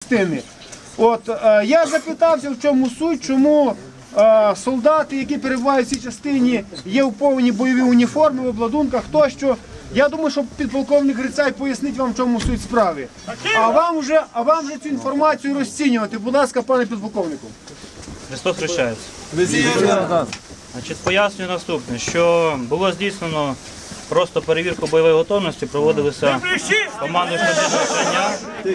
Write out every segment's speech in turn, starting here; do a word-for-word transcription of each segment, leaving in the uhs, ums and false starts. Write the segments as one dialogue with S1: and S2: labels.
S1: частини. От, е, я запитався, в чому суть, чому е, солдати, які перебувають в цій частині, є в повній бойовій уніформі, в обладунках тощо. Я думаю, що підполковник Грицай пояснить вам, в чому суть справи. А вам вже, а вам вже цю інформацію розцінювати. Будь ласка, пане підполковнику.
S2: Христос хрещається. Значить, пояснюю наступне, що було здійснено просто перевірку бойової готовності, проводилися команди штабного навчання.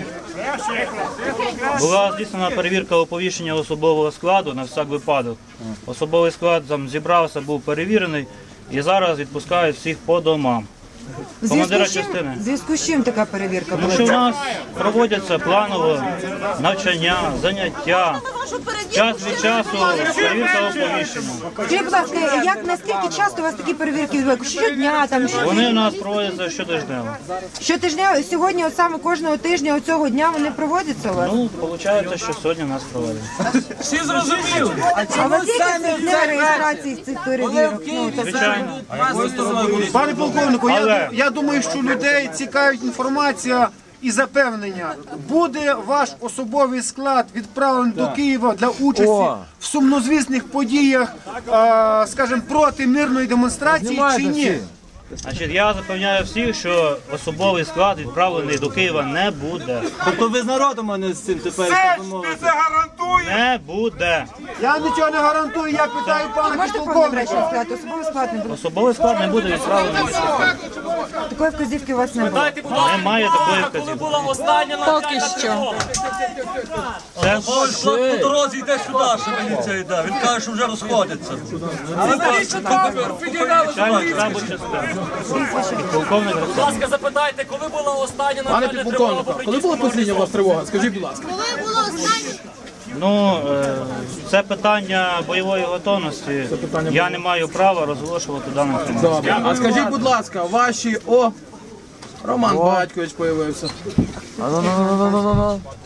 S2: Була здійснена перевірка оповіщення особового складу на всяк випадок. Особовий склад там зібрався, був перевірений і зараз відпускають всіх по домам. Командира частини.
S3: В зв'язку з чим така перевірка
S2: Тому
S3: була?
S2: що в нас проводяться планово навчання, заняття, час від часу перевірка оповіщення.
S3: Скажіть, будь ласка, як, наскільки часто у вас такі перевірки відбуваються? Щодня, там, що...
S2: Вони у нас проводяться щотижнево.
S3: Щотижня, сьогодні, от саме кожного тижня, цього дня вони проводяться у вас?
S2: Ну, виходить, що сьогодні нас проводять.
S4: Всі зрозуміли.
S3: А у вас є якісь для реєстрації цих перевірок? Ну, так...
S2: Звичайно.
S1: Пане полковнику, я, я думаю, що людей цікавить інформація і запевнення. Буде ваш особовий склад відправлений до Києва для участі в сумнозвісних подіях, а, скажімо, проти мирної демонстрації чи ні?
S2: Значить, я запевняю всіх, що особовий склад відправлений до Києва не буде.
S4: Тобто ви з народом, а не з цим тепер.
S2: Не буде.
S1: Я нічого не гарантую, я питаю пана
S3: Можете
S1: підполковника.
S3: повністю сказати, особовий склад не буде?
S2: Особовий склад не буде відправлений.
S3: Такої вказівки у вас не було?
S2: Немає такої вказівки.
S3: Поки що.
S2: Це
S4: По дорозі йде сюди, що міліція йде. Він каже, що вже розходиться. Але навіщо так?
S2: звичайно штабу частини. Полковник
S5: Будь ласка, запитайте, коли була остання
S6: Пане
S5: навчальна тривога по
S6: підполковник, коли була послідня у вас тривога? Скажіть, будь ласка.
S7: Коли було останнє?
S2: Ну, е, це питання бойової готовності. Я не маю права розголошувати дану інформацію.
S6: Добре. А скажіть, будь ласка, ваші... О, Роман Батькович появився.